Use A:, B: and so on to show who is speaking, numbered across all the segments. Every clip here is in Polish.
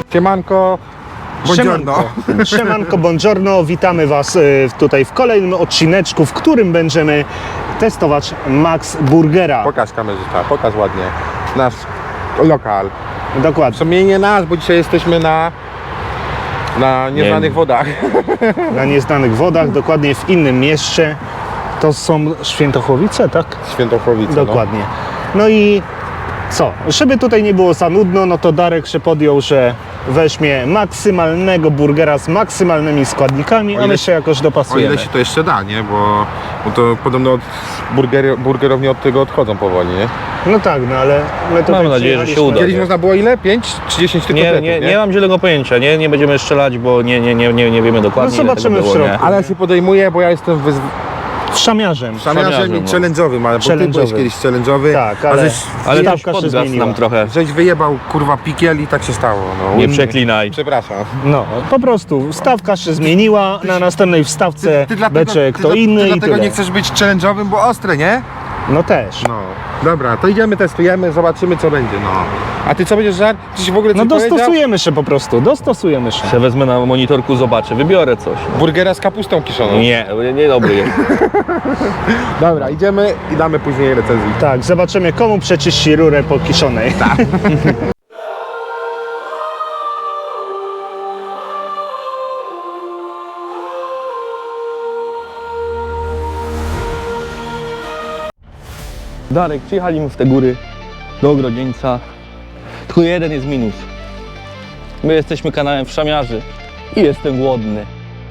A: Siemanko, buongiorno.
B: Siemanko, buongiorno, witamy Was tutaj w kolejnym odcineczku, w którym będziemy testować Max Burgera.
A: Pokaż kamerzysta, pokaż ładnie nasz lokal. W
B: Dokładnie,
A: sumie nie nasz, bo dzisiaj jesteśmy na nieznanych wodach.
B: na nieznanych wodach, dokładnie w innym mieście. To są Świętochłowice, tak?
A: Świętochłowice.
B: Dokładnie. No i co? Żeby tutaj nie było za nudno, no to Darek się podjął, że weźmie maksymalnego burgera z maksymalnymi składnikami, a my się jakoś
A: O
B: dopasujemy.
A: ile się to jeszcze da, nie? Bo to podobno burgerowni od tego odchodzą powoli, nie?
B: No tak, no ale my tutaj
C: Mam nadzieję, że się
B: przyjechaliśmy-
C: uda.
A: Kiedyś można było ile? 5 czy 10 tych
C: Nie,
A: kotletów,
C: nie mam zielonego pojęcia, nie będziemy strzelać, bo nie wiemy dokładnie.
B: No
C: ile
B: zobaczymy
C: tego
B: w
C: było,
B: środku.
A: Ale ja się podejmuję, bo ja jestem
B: Szamiarzem.
A: szamiarzem i
C: no.
A: challenge'owym, ale bo ty byłeś
B: Challenge'owy.
A: kiedyś challenge'owy,
B: Tak,
A: a
B: ale-
A: żeś,
C: Ale też
B: Stawka się
C: podgasł
B: zmieniła.
C: nam trochę.
A: żeś wyjebał kurwa pikiel i tak się stało. No.
C: Nie przeklinaj.
A: Przepraszam.
B: No, po prostu stawka się zmieniła, na następnej wstawce będzie kto inny
A: ty
B: i
A: dlatego
B: tyle.
A: nie chcesz być challenge'owym, bo ostre, nie?
B: No też.
A: No. Dobra, to idziemy, testujemy, zobaczymy co będzie, no. A ty co będziesz żart? Ty się w ogóle
B: No
A: coś powiedział?
B: dostosujemy się po prostu, dostosujemy się.
C: Se wezmę na monitorku, zobaczę, wybiorę coś.
A: Burgera z kapustą kiszoną.
C: Nie dobry jest.
A: Dobra, idziemy i damy później recenzję.
B: Tak, zobaczymy komu przeczyści rurę po kiszonej. Tak.
C: Darek, przyjechaliśmy w te góry do Ogrodzieńca. Tylko jeden jest minus. My jesteśmy kanałem Wszamiarzy i jestem głodny.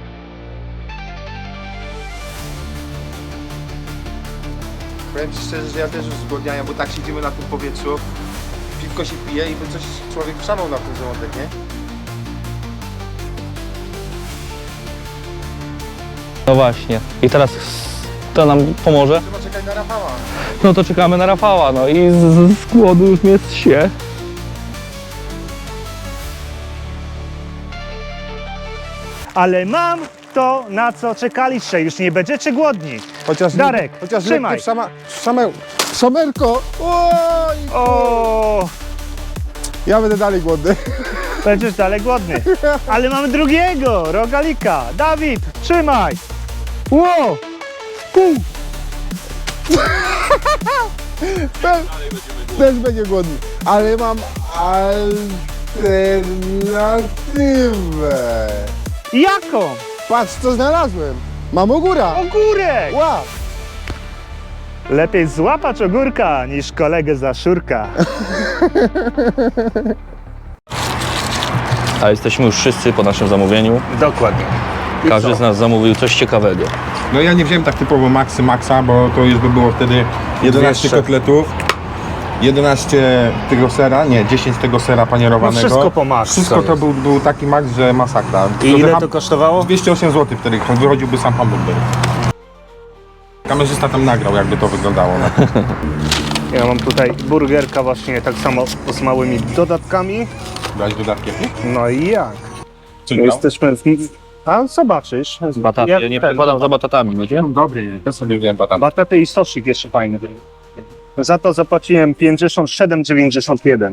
A: Powiem ci szczerze, że ja też już zgłodniałem, bo tak siedzimy na tym powietrzu, piwko się pije i by coś człowiek szalał na ten żołądek, nie?
C: No właśnie. I teraz to nam pomoże?
A: Trzeba czekać na Rafała.
C: No to czekamy na Rafała, no i z głodu już mnie zsie.
B: Ale mam to, na co czekaliście, już nie będziecie głodni.
A: Chociaż
B: Darek,
A: chociaż
B: trzymaj.
A: Szamerko! Oj!
B: O,
A: Ja będę dalej głodny.
B: będziesz dalej głodny. Ale mamy drugiego, rogalika. Dawid, trzymaj. Ło!
A: Też będzie głodny. Ale mam alternatywę.
B: Jaką?
A: Patrz co znalazłem. Mam ogóra.
B: Ogórek!
A: Ła!
B: Lepiej złapać ogórka niż kolegę za szurka.
C: A jesteśmy już wszyscy po naszym zamówieniu.
B: Dokładnie. I
C: Każdy
B: co?
C: z nas zamówił coś ciekawego.
A: No ja nie wziąłem tak typowo maxa, bo to już by było wtedy 11
B: 200.
A: kotletów. 11 tego sera, nie, 10 tego sera panierowanego.
B: No wszystko po max
A: Wszystko to
B: jest.
A: był taki max, że masakra.
B: I ile to kosztowało?
A: 208 zł wtedy wychodziłby sam hamburger. Kamerzysta tam nagrał, jakby to wyglądało.
B: Ja mam tutaj burgerka właśnie tak samo z małymi dodatkami.
A: Dać dodatkiem.
B: No i jak?
A: Co
B: Jesteśmy w... A zobaczysz.
C: Bataty, ja nie podam za batatami, wiecie?
A: Dobry, ja sobie wziąłem batata.
B: Bataty i sosik jeszcze fajny. Za to zapłaciłem 57,91.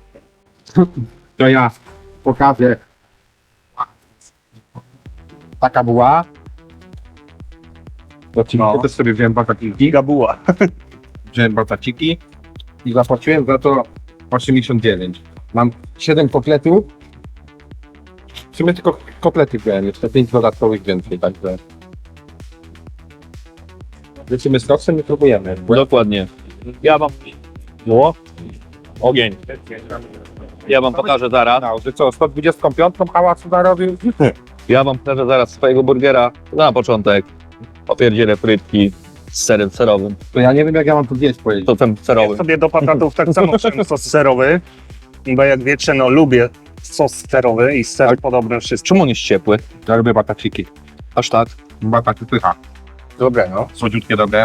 A: To ja pokażę. Taka była.
B: No.
A: Też sobie wziąłem bataciki.
B: Gigabuła.
A: Wziąłem bataciki i zapłaciłem za to 89. Mam 7 kotletów. W sumie tylko kotlety wziąłem, jeszcze 5 dodatkowych więcej, także... Lecimy z koksem i próbujemy.
C: Dokładnie. Ja wam... Było? Ogień. Ja wam pokażę zaraz.
A: No, że co, 125 hałasu narobił?
C: Ja wam pokażę zaraz swojego burgera. Na początek opierdzielę frytki z serem serowym.
A: To ja nie wiem jak ja mam to zjeść powiedzieć.
C: To ten
B: Ja
C: serowy.
B: sobie do patatów tak samo wziąłem sos serowy. Bo jak wiecie, no lubię sos serowy i ser podobny wszystkim.
C: Czemu on jest ciepły?
A: Ja lubię bataciki.
C: Aż tak?
A: Bataty pycha.
B: Dobre, no.
A: Słodziutkie, dobre.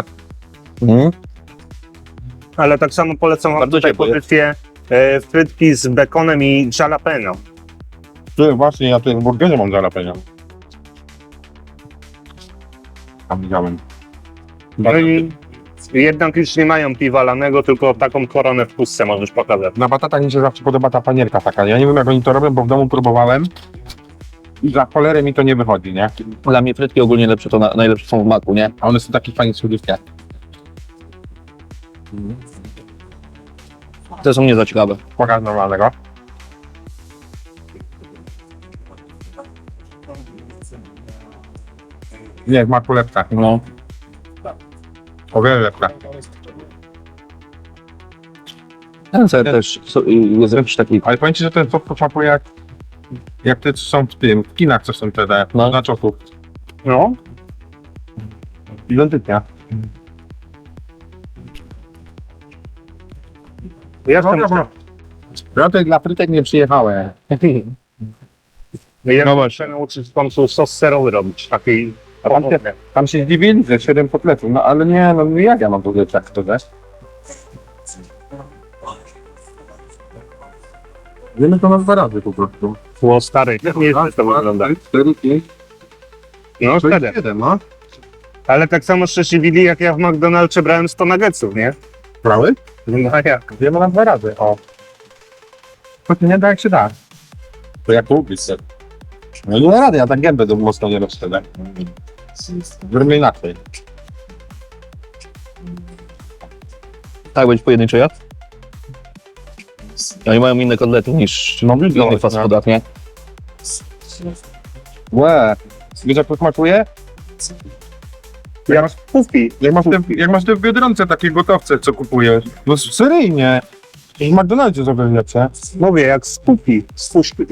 B: Ale tak samo polecam wam
C: Bardzo
B: tutaj
C: ciepły.
B: pozycję frytki z bekonem i jalapeno.
A: Ty, właśnie, ja tutaj w burgerze mam jalapeno. Tam widziałem.
B: No i Jednak już nie mają piwa lanego, tylko taką koronę w pustce możesz pokazać.
A: Na batatach mi się zawsze podoba ta panierka taka. Ja nie wiem jak oni to robią, bo w domu próbowałem. I za cholerę mi to nie wychodzi, nie?
C: Dla mnie frytki ogólnie lepsze to najlepsze są w maku, nie?
A: A one są takie fajnie słodziutkie.
C: Te są nie za ciekawe.
A: Pokaż normalnego. Nie, w maku lepsze.
C: No.
A: O wiele lepsze.
C: Ten ser też jest jakiś taki...
A: Ale powiem ci, że ten sos poczapuje jak te, co są w tym, w kinach, co są te
C: No.
A: na czoku.
B: No,
A: Identycznie.
B: jestem...
A: Ja tutaj dla frytek nie przyjechałem.
B: Ja muszę nauczyć w końcu sos serowy robić, taki...
A: Tam się zdziwili, że 7 kotletów, no ale nie, no jak ja mam w ogóle tak to dać? Wiemy to na 2 razy po prostu.
B: Było stary, nie jest to wygląda.
A: 4, 5,
B: No,
A: 6,
B: wtedy.
A: 7, no.
B: Ale tak samo szczęśliwili, jak ja w McDonald'sie brałem 100 nuggetsów, nie?
A: Brały?
B: No jak?
A: Wiemy na 2 razy, o. To się nie da jak się da. To jak lubisz się. No nie da rady, ja tak gębę do mocno nie rozszerzę. Zrobimy inaczej.
C: Tak być pojedynczy jad? Oni mają inne kotlety niż
A: No,
C: w innych fast foodach, nie?
A: Łe. Wiesz jak to smakuje?
B: Jak masz pówki.
A: Jak masz te w Biedronce takie gotowce, co kupujesz. No seryjnie. W McDonaldzie zrobię lepsze.
B: Mówię, jak z pówki, z fuszki.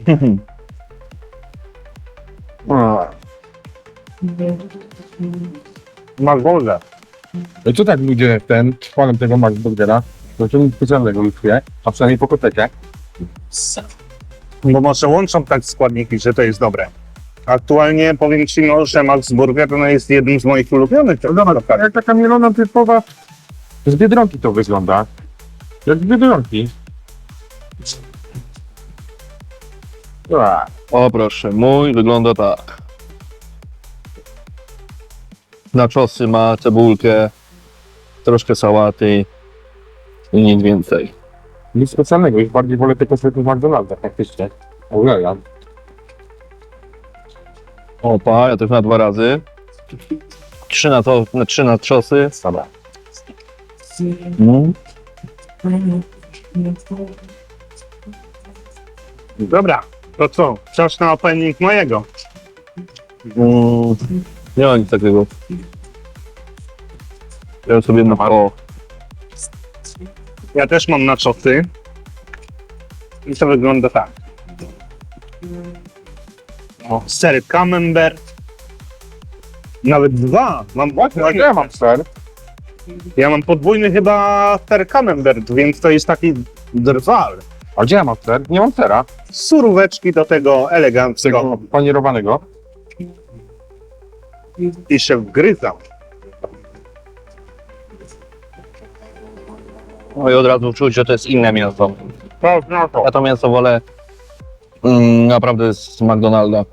B: Magolda.
A: No co tak ludzie chwalą tego McBurgera? To co nic specjalnego już wie, a przynajmniej po kotecie.
B: Bo może łączą tak składniki, że to jest dobre. Aktualnie powiem Ci, no, że Max Burger no, jest jednym z moich ulubionych.
A: Jak taka mielona typowa z Biedronki to wygląda. Jak z Biedronki.
C: O proszę, mój wygląda tak. Naczosy ma, cebulkę, troszkę sałaty i nic więcej.
A: Nic specjalnego, już bardziej wolę te kotlety w McDonaldach faktycznie. Uwielbiam.
C: Opa, ja też na 2 razy. 3 na trzosy.
A: Dobra.
B: Dobra, to co? Czas na opening mojego.
C: Nie ma nic takiego. Ja sobie o.
B: Ja też mam naczosy. I to wygląda tak. O, ser camembert. Nawet 2. Mam
A: Ja mam ser.
B: Ja mam podwójny chyba ser camembert, więc to jest taki drwal.
A: A gdzie ja mam ser? Nie mam sera.
B: Suróweczki do tego eleganckiego.
A: Tego panierowanego.
B: I się wgryzał.
C: No i od razu czuć, że to jest inne mięso.
A: No to.
C: Ja to mięso wolę naprawdę z McDonalda.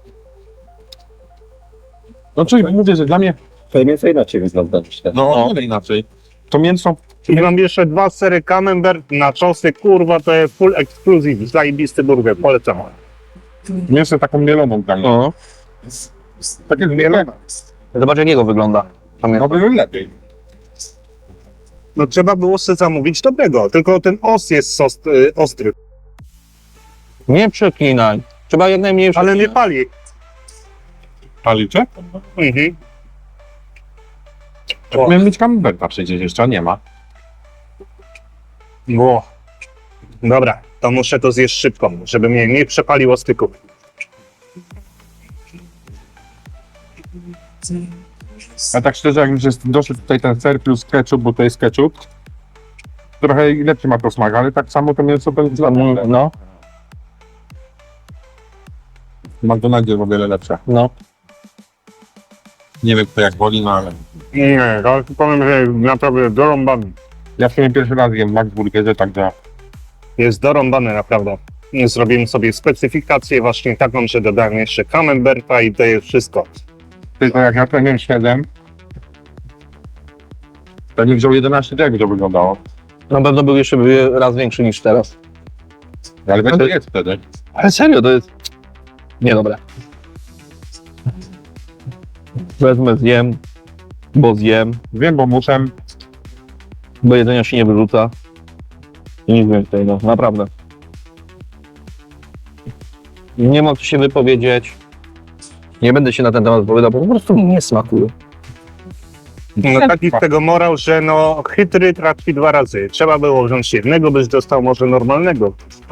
A: No czyli mówię, że dla mnie...
D: To mięso inaczej wygląda, myślę.
A: No, ale inaczej. To mięso...
B: I mam jeszcze 2 sery camembert, naczosy, kurwa, to jest full exclusive, zajebisty burger, polecam.
A: Mięso taką mieloną dla mnie.
C: No.
A: Takie mielone.
C: Zobacz jak jego wygląda. To
A: No
C: mięso.
A: by lepiej.
B: No trzeba było sobie zamówić dobrego, tylko ten os jest ostry,
C: Nie przeklinaj. Trzeba jak najmniej
B: ale nie
C: przeklinać.
B: pali.
A: Palicie?
B: Mhm.
A: Miałem mieć camemberta przecież jeszcze, a nie ma.
B: Ło. Dobra, to muszę to zjeść szybko, żeby mnie nie przepaliło styku.
A: A tak szczerze, jak już jest doszedł tutaj ten ser plus ketchup, bo to jest ketchup, trochę lepszy ma to smak, ale tak samo to mięso to jest
C: No,
A: w McDonaldzie jest o wiele lepsze.
C: no.
A: Nie wiem kto jak woli, no ale...
B: Nie, to powiem, że naprawdę dorąbany.
A: Ja w sumie pierwszy raz jem w McBurgerze, także...
B: Jest dorąbany naprawdę. Zrobimy sobie specyfikację właśnie taką, że dodałem jeszcze camemberta i to jest wszystko.
A: Tylko jak ja to jem 7, Pewnie wziął 11, jak to wyglądało.
C: Na pewno był jeszcze raz większy niż teraz.
A: Ale będzie jest wtedy.
C: Ale serio, to jest... Niedobre. Wezmę, zjem, bo zjem,
A: Wiem, bo muszę.
C: bo jedzenia się nie wyrzuca. I nic więcej, no, naprawdę. Nie mam co się wypowiedzieć. Nie będę się na ten temat wypowiadał, bo po prostu mi nie smakuje.
B: No taki z tego morał, że no chytry trafi 2 razy. Trzeba było wziąć jednego, byś dostał może normalnego.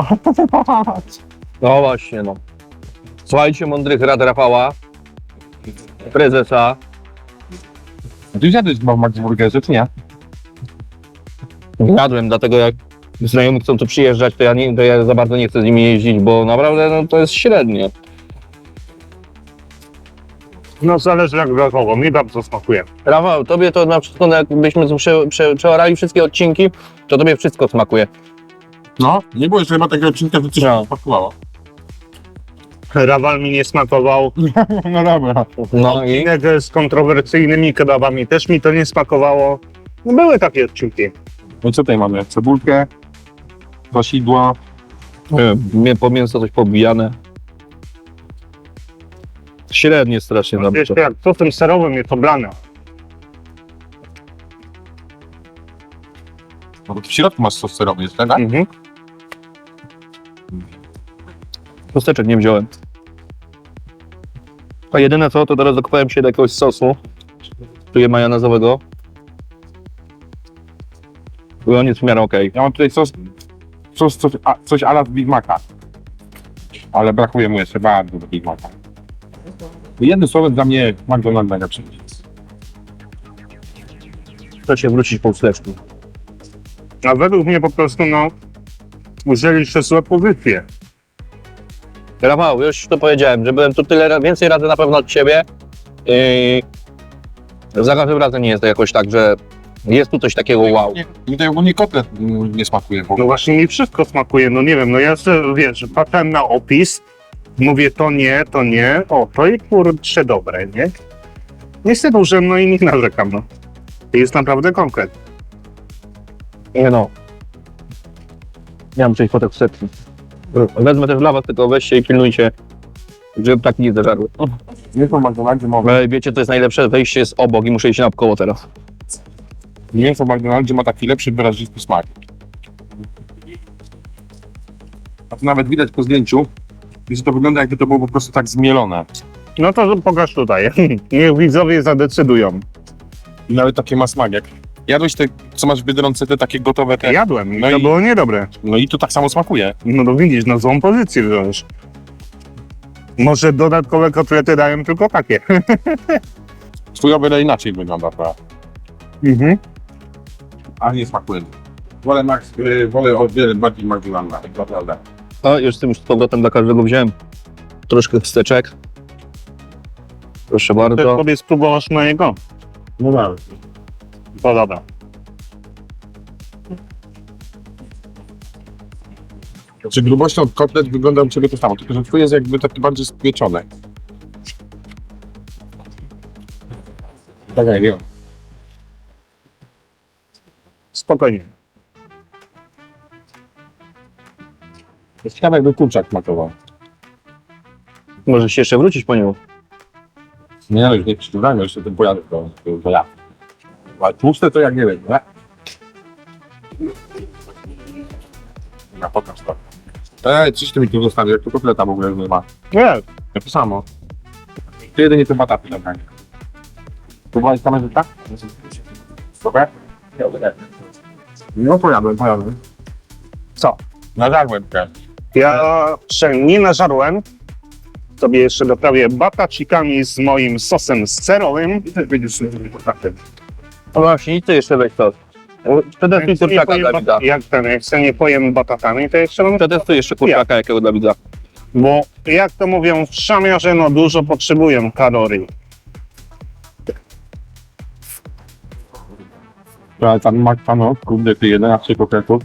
C: No właśnie, no. Słuchajcie mądrych rad Rafała, prezesa.
A: A ty zjadłeś w Max Burgerze, czy nie?
C: Jadłem, dlatego jak znajomi chcą tu przyjeżdżać, to ja za bardzo nie chcę z nimi jeździć, bo naprawdę no, to jest średnie.
B: No zależy jak brakowo, mi bardzo smakuje.
C: Rafał, tobie to na wszystko, no, jakbyśmy przeorali wszystkie odcinki, to tobie wszystko smakuje.
A: No, nie było jeszcze chyba takiego odcinka, że coś
C: No.
A: smakowało.
B: Rawal mi nie smakował.
A: No dobra.
C: No i
B: Odcinek z kontrowersyjnymi kebabami też mi to nie smakowało. No były takie odcinki.
A: No i co tutaj mamy? Cebulkę, wasidło.
C: po mięso coś pobijane. Średnie strasznie nam to.
B: Jeszcze jak sosem serowym jest oblane.
A: No bo w środku masz sos serowy, jest tak?
B: Mhm.
C: Kosteczek nie wziąłem. A jedyne co, to teraz dokupałem się do jakiegoś sosu. Czuję majonezowego. I on jest w miarę okej.
A: Ja mam tutaj coś a la z Big Maca. Ale brakuje mu jeszcze bardzo do Big Maca. Jednym słowem dla mnie McDonald's najlepszy.
C: Chcę się wrócić po wsteczku.
B: A według mnie po prostu no użyliście złe pozycje.
C: Rafał, już to powiedziałem, że byłem tu więcej razy na pewno od ciebie. Za każdym razem nie jest to jakoś tak, że jest tu coś takiego wow.
A: Mi tutaj ogólnie kotlet nie smakuje. Bo
B: No właśnie mi wszystko smakuje, no nie wiem, no ja sobie, wiesz, patrzę na opis, mówię to nie, o to i kurczę dobre, nie? Niestety użyłem, no i nie narzekam, no. To jest naprawdę konkret.
C: Nie no. Nie mam czymś po wsteczki. Wezmę też dla was, tylko weźcie i pilnujcie, żeby ptaki nie zażarły.
A: mięso w McDonaldzie ma,
C: Ale wiecie, to jest najlepsze, wejście jest obok i muszę iść naokoło teraz.
A: mięso w McDonaldzie ma taki lepszy, wyrazisty smak. A to nawet widać po zdjęciu, że to wygląda jakby to było po prostu tak zmielone.
B: No to pokaż tutaj, niech widzowie zadecydują.
A: I nawet takie ma smak jak. Jadłeś te, co masz w Biedronce, te takie gotowe te.
B: Jadłem,
A: No
B: to
A: i-
B: było niedobre.
A: No i to tak samo smakuje.
B: No to widzisz, na złą pozycję wziąłeś. Może dodatkowe kotlety dają tylko takie.
A: Twój o wiele inaczej wygląda to.
B: Mhm.
A: A nie smakuje. Wolę o wiele bardziej McDonalda, tak naprawdę.
C: A już z powrotem dla każdego wziąłem troszkę wsteczek. Proszę
B: Też
C: bardzo.
B: sobie spróbowasz mojego?
A: No tak.
B: To dobra.
A: Czy grubością kotlet wygląda u Ciebie to samo, tylko że Twój jest jakby taki bardziej spieczony. Tak, nie wiem.
B: Spokojnie.
A: Jest ciekawe jakby kurczak smakował.
C: Możesz się jeszcze wrócić po nią.
A: Nie no, już nie przyciągamy, jeszcze ten pojadę to ja. Ale tłuste to jak nie wiem, nie? Na pokaż to. Coś ty mi tu zostawił, jak tu kotleta w ogóle nie ma.
B: Nie,
A: Ja to samo. To jedynie te bataty tak. Próbowałeś kamerzyka? Dobra? No pojadłem.
B: co?
A: Nażarłem się.
B: Ja się nie nażarłem. Sobie jeszcze doprawię batacikami z moim sosem serowym.
A: I też będziesz kontaktem.
C: No właśnie, i ty jeszcze weź to. Przetestuj kurczaka dla widza.
B: Jak się nie pojem batatami, to jeszcze mam...
C: Przetestuj jeszcze kurczaka jakiego dla widza.
B: Bo jak to mówią w szamiarze, no dużo potrzebują kalorii.
A: Ale tam Mac, kurde, ty 11 kotletów.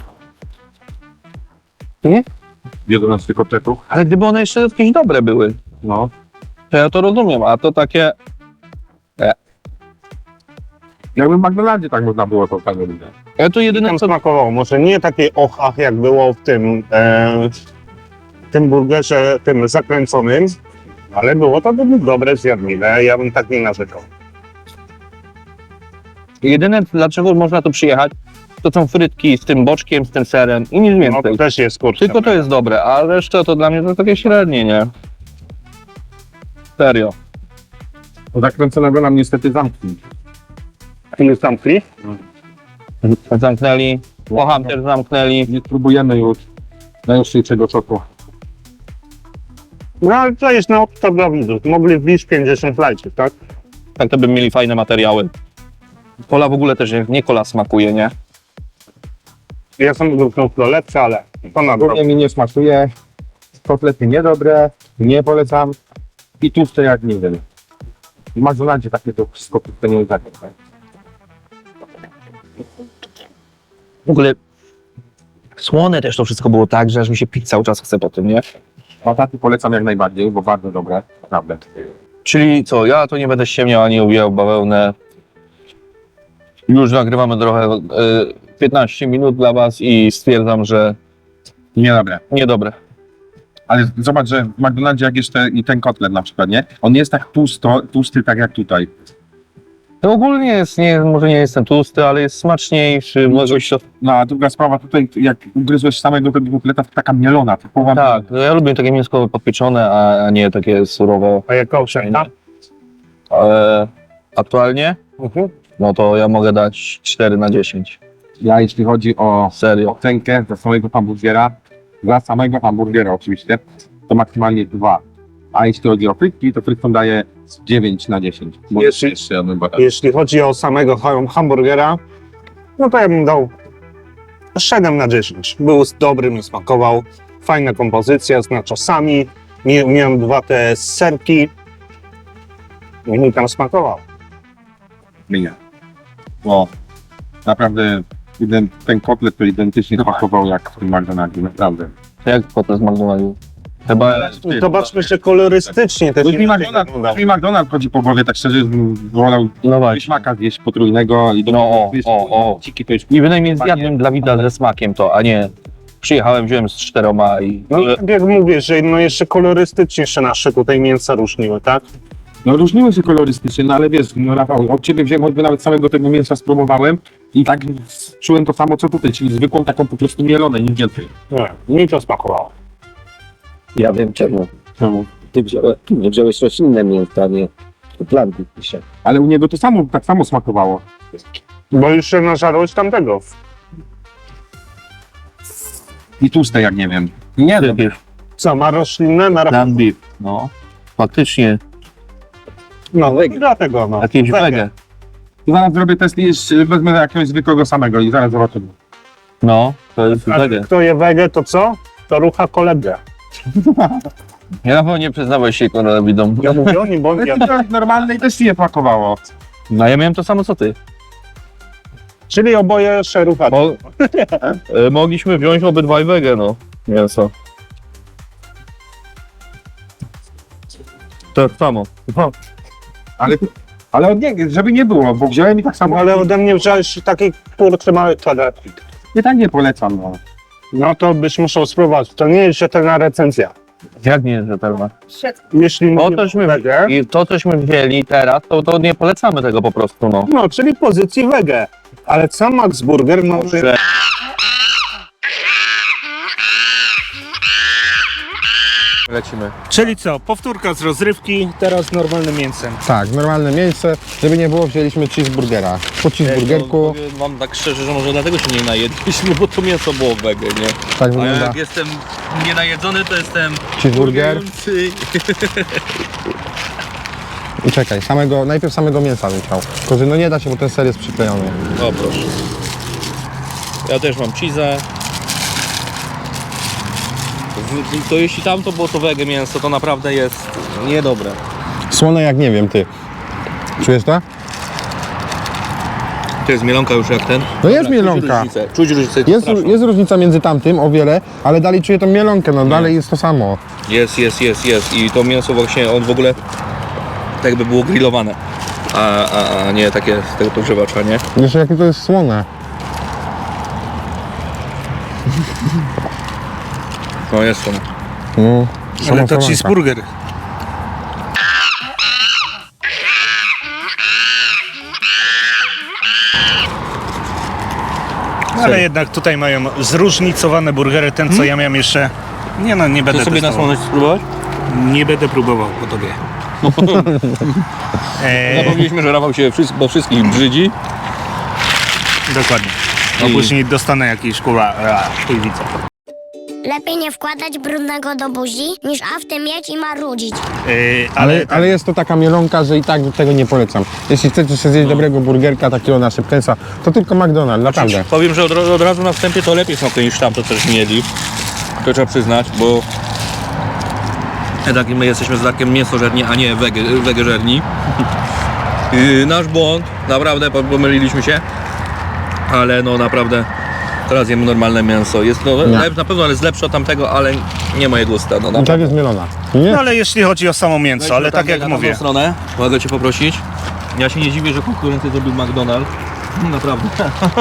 C: Nie?
A: 11 kotletów.
C: Ale gdyby one jeszcze jakieś dobre były,
A: No.
C: to ja to rozumiem, a to takie...
A: Jakby w McDonaldzie tak można było to tak robić.
C: Ja to jedyne
B: Tam
C: co...
B: smakowało. Może nie takie och, jak było w tym burgerze, tym zakręconym, ale było to dobre, zjadliwe. Ja bym tak nie narzekał.
C: Jedyne dlaczego można tu przyjechać, to są frytki z tym boczkiem, z tym serem i nic
B: No
C: więcej.
B: to też jest kurczę.
C: Tylko to jest dobre, a reszta to dla mnie to takie średnie, nie? Serio.
A: Bo zakręconego nam niestety zamknął.
B: Ile zamknęli?
C: Zamknęli, Poham też zamknęli.
A: Nie spróbujemy już najostrzejszego szoku.
B: No ale to jest na opcja dla widzów. Mogli wbić 50 lajków, tak?
C: Tak to by mieli fajne materiały. Kola w ogóle też nie kola smakuje, nie?
B: Ja sam wybrałem to lepsze, ale to na
A: Głównie mi nie smakuje. Kotlety niedobre, nie polecam. I tłuste jak nie wiem. W McDonaldzie takie to wszystko to nie jest.
C: W ogóle słone też to wszystko było tak, że aż mi się pić cały czas chce po tym, nie?
A: Bataty polecam jak najbardziej, bo bardzo dobre, naprawdę.
C: Czyli co, ja to nie będę ściemniał ani ubijał bawełnę. Już nagrywamy trochę 15 minut dla was i stwierdzam, że
A: Niedobre.
C: niedobre.
A: Ale zobacz, że w McDonaldzie jak jeszcze i ten kotlet na przykład, nie? On nie jest tak tłusty tak jak tutaj.
C: To ogólnie jest, może nie jestem tłusty, ale jest smaczniejszy. Może się...
A: No a druga sprawa tutaj, jak ugryzłeś samego tego kotleta, to taka mielona, typowa.
C: Tak, no ja lubię takie mięsko podpieczone, a nie takie surowe.
B: A jaka ocena?
C: Aktualnie? No to ja mogę dać 4/10.
A: Ja jeśli chodzi o
C: Serio.
A: ocenkę za samego hamburgera, dla samego hamburgera oczywiście, to maksymalnie 2. A jeśli chodzi o frytki, to frytkom daje 9/10. Bo
B: Jeśli-
A: jeszcze jadłem batat.
B: Jeśli chodzi o samego hamburgera, no to ja bym dał 7/10. Był dobry, mi smakował. Fajna kompozycja z nachosami. Miałem 2 te serki. I mi tam smakował.
A: Nie. Bo naprawdę ten kotlet to identycznie smakował jak w tym McDonaldzie, naprawdę.
C: To jak potem z McDonald's? Chyba
B: Zobaczmy się kolorystycznie. Też
A: Już mi
B: inaczej
A: McDonald's,
B: wyglądał.
A: już mi McDonald's chodzi po głowie, tak szczerze, bym wolał
C: no właśnie.
A: śmaka zjeść potrójnego i do
C: No, o.
A: Ciki to już
C: I bynajmniej zjadłem dla widza ze smakiem to, a nie przyjechałem, wziąłem z 4 i...
B: No tak jak mówię, że no jeszcze kolorystycznie się nasze tutaj mięsa różniły, tak?
A: No różniły się kolorystycznie, no ale wiesz, no Rafał, od ciebie wziąłem choćby nawet samego tego mięsa spróbowałem i tak czułem to samo co tutaj, czyli zwykłą taką po prostu mielone, nic więcej.
B: Nie, mi to smakowało.
D: Ja wiem czemu. Ty nie wziąłeś roślinne mięso, a nie planty pisze.
A: Ale u niego to samo, tak samo smakowało.
B: Bo już się nażarłeś tamtego.
A: I tłuste jak nie wiem. Nie wiem.
B: Co, ma roślinne?
C: Land beef, no. Faktycznie,
B: No, dlatego no.
C: jakieś wege.
A: Zaraz zrobię test i jeszcze wezmę jakiegoś zwykłego samego i zaraz zobaczymy.
C: No, to jest
B: A
C: wege.
B: kto je wege, to co? To rucha kolegę.
C: Ja na pewno nie przyznawaj się widzom.
B: Ja mówię o nim, bo ja...
A: Normalne i też ci nie smakowało.
C: No ja miałem to samo co ty.
B: Czyli oboje szerucha.
C: Mogliśmy wziąć obydwaj wege, no. Mięso. To samo.
A: Ale od niego, żeby nie było, bo wziąłem i tak samo,
B: Ale ode mnie wziąłeś taki kurczę mały kwadrat.
A: i tak nie polecam, no.
B: No to byś musiał spróbować. To nie jest rzetelna recenzja.
C: Jak nie jest rzetelna?
B: Jeśli
C: To
B: mówimy
C: tośmy,
B: wege,
C: i to cośmy wzięli teraz, to nie polecamy tego po prostu, no.
B: no czyli pozycji wege. Ale sam Max Burger ma...
C: Że- Lecimy.
B: Czyli co, powtórka z rozrywki, teraz z normalnym mięsem.
A: Tak, normalne miejsce, żeby nie było, wzięliśmy cheeseburgera. Po cheeseburgerku,
C: Mam tak szczerze, że może dlatego się nie najedliśmy, bo to mięso było wege, nie?
A: tak
C: A ja
A: wygląda
C: jak jestem nienajedzony, to jestem...
A: cheeseburger.
C: gorący.
A: I czekaj, najpierw samego mięsa bym chciał. Tylko, że no nie da się, bo ten ser jest przyklejony.
C: O proszę. Ja też mam cheese'ę. To jeśli tamto było to wege mięso, to naprawdę jest niedobre.
A: Słone jak nie wiem, ty. Czujesz to?
C: To jest mielonka już jak ten?
A: No jest mielonka.
C: Czuć różnicę.
A: Jest różnica między tamtym o wiele, ale dalej czuję tą mielonkę, no dalej jest to samo.
C: Jest. I to mięso właśnie, on w ogóle tak jakby było grillowane. a nie takie z tego podgrzewacza, nie?
A: Jeszcze jakie to jest słone.
C: No jest to.
A: No,
B: Ale to cheeseburger. Ale jednak tutaj mają zróżnicowane burgery. Ten, co ja miałem jeszcze... Nie no, nie będę
C: Chcesz sobie na
B: testował.
C: słoność spróbować?
B: Nie będę próbował po tobie.
C: Zapomnieliśmy, że Rafał się bo wszystkich brzydzi.
B: Dokładnie. No
C: I-
B: później dostanę jakiś kurwa chujwica.
E: Lepiej nie wkładać brudnego do buzi, niż afty mieć i marudzić.
A: Ale jest to taka mielonka, że i tak tego nie polecam. Jeśli chcecie sobie zjeść dobrego burgerka, takiego na szybkęsa, to tylko McDonald's, naprawdę.
C: Powiem, że od razu na wstępie to lepiej smakuje niż tam, to też mieli. To trzeba przyznać, bo jednak my jesteśmy z Darkiem mięsożerni, a nie wegeżerni. Nasz błąd, naprawdę pomyliliśmy się, ale no naprawdę teraz jemy normalne mięso. Jest no,
A: Nie.
C: na pewno jest lepsze od tamtego, ale nie moje gusta. No,
A: I
C: naprawdę.
A: tak jest mielona. Nie?
B: No ale jeśli chodzi o samo mięso, ale tak jak
C: na
B: mówię.
C: tamtą stronę, mogę Cię poprosić. Ja się nie dziwię, że konkurencję zrobił McDonald's. Naprawdę.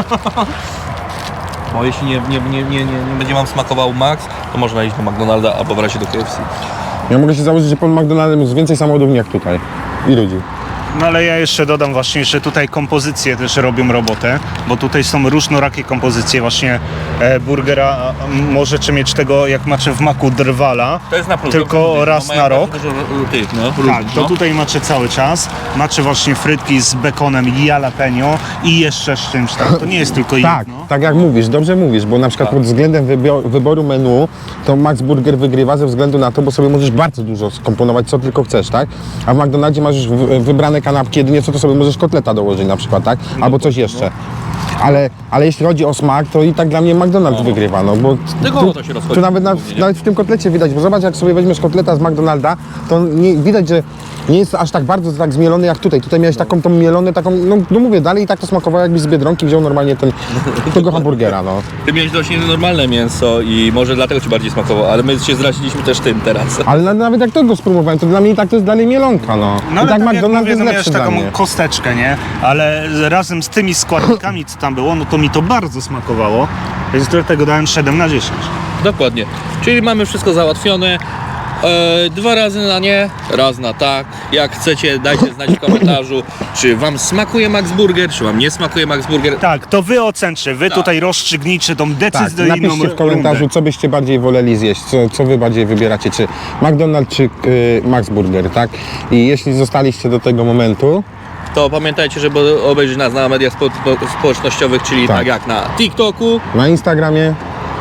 C: Bo jeśli nie będzie Wam smakował Max, to można iść do McDonalda albo w razie do KFC.
A: Ja mogę się założyć, że pod McDonald'em jest więcej samochodów jak tutaj. I ludzi.
B: No ale ja jeszcze dodam właśnie, że tutaj kompozycje też robią robotę, bo tutaj są różnorakie kompozycje właśnie burgera. Możecie mieć tego, jak macie w maku drwala.
C: To jest na plus.
B: Tylko raz na rok. Tak, to
C: tu
B: tutaj macie cały czas. Macie właśnie frytki z bekonem i jalapeno i jeszcze z czymś tam. To nie jest tylko
A: Tak,
B: jedno.
A: tak jak mówisz, dobrze mówisz, bo na przykład pod względem wyboru menu to Max Burger wygrywa ze względu na to, bo sobie możesz bardzo dużo skomponować, co tylko chcesz, tak? A w McDonaldzie masz już wybrane kanapki, jedynie co to sobie możesz kotleta dołożyć na przykład, tak? Albo coś jeszcze. Ale jeśli chodzi o smak, to i tak dla mnie McDonald's wygrywa, no bo
C: Tego to się rozchodzi.
A: tu nawet w tym kotlecie widać, bo zobacz, jak sobie weźmiesz kotleta z McDonalda, to widać, że nie jest aż tak bardzo tak zmielony jak tutaj. Tutaj miałeś taką tą mielonę, taką, no mówię, dalej i tak to smakowało, jakbyś z Biedronki wziął normalnie tego hamburgera, no.
C: Ty miałeś dość normalne mięso i może dlatego Ci bardziej smakowało, ale my się zraziliśmy też tym teraz.
A: Ale nawet jak tego spróbowałem, to dla mnie i tak to jest dalej mielonka, no.
B: No
A: I
B: ale
A: tak
B: tak jak
A: McDonald's
B: mówię,
A: jest
B: no miałeś
A: lepszy dla
B: taką
A: mnie.
B: kosteczkę, nie? Ale razem z tymi składnikami, co tam było, no to mi to bardzo smakowało. Więc dlatego dałem 7 na 10.
C: Dokładnie. Czyli mamy wszystko załatwione. 2 razy na nie, raz na tak. Jak chcecie, dajcie znać w komentarzu, czy Wam smakuje Max Burger, czy Wam nie smakuje Max Burger.
B: Tak, to wy ocencie, wy tutaj rozstrzygnijcie tą
A: Tak,
B: decyzyjną
A: napiszcie w komentarzu,
B: rundę.
A: co byście bardziej woleli zjeść, co wy bardziej wybieracie, czy McDonald's, czy Max Burger, tak? I jeśli zostaliście do tego momentu,
C: To pamiętajcie, żeby obejrzeć nas na mediach społecznościowych, czyli
A: Tak.
C: tak jak na TikToku,
A: na Instagramie,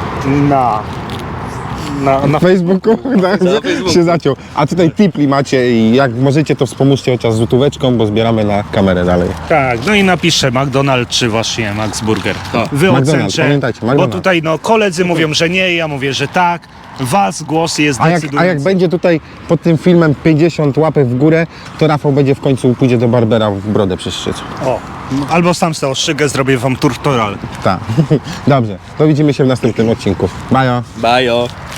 B: Na
A: Facebooku, tak,
C: Na Facebooku.
A: się zaciął. A tutaj tipli macie i jak możecie, to wspomóżcie chociaż złotóweczką, bo zbieramy na kamerę dalej.
B: Tak, no i napiszę McDonald's czy właśnie Max Burger.
C: Tak.
B: Wy
A: McDonald's,
B: ocencie,
A: pamiętajcie,
B: bo
A: McDonald's.
B: tutaj no koledzy mówią, że nie, ja mówię, że tak. Was głos jest
A: A jak
B: decydujący.
A: będzie tutaj pod tym filmem 50 łapek w górę, to Rafał będzie w końcu pójdzie do barbera w brodę przyszyć.
B: O, albo sam sobie oszczygę, zrobię wam tutorial.
A: Tak. Dobrze, to widzimy się w następnym odcinku. Bajo!
C: bajo.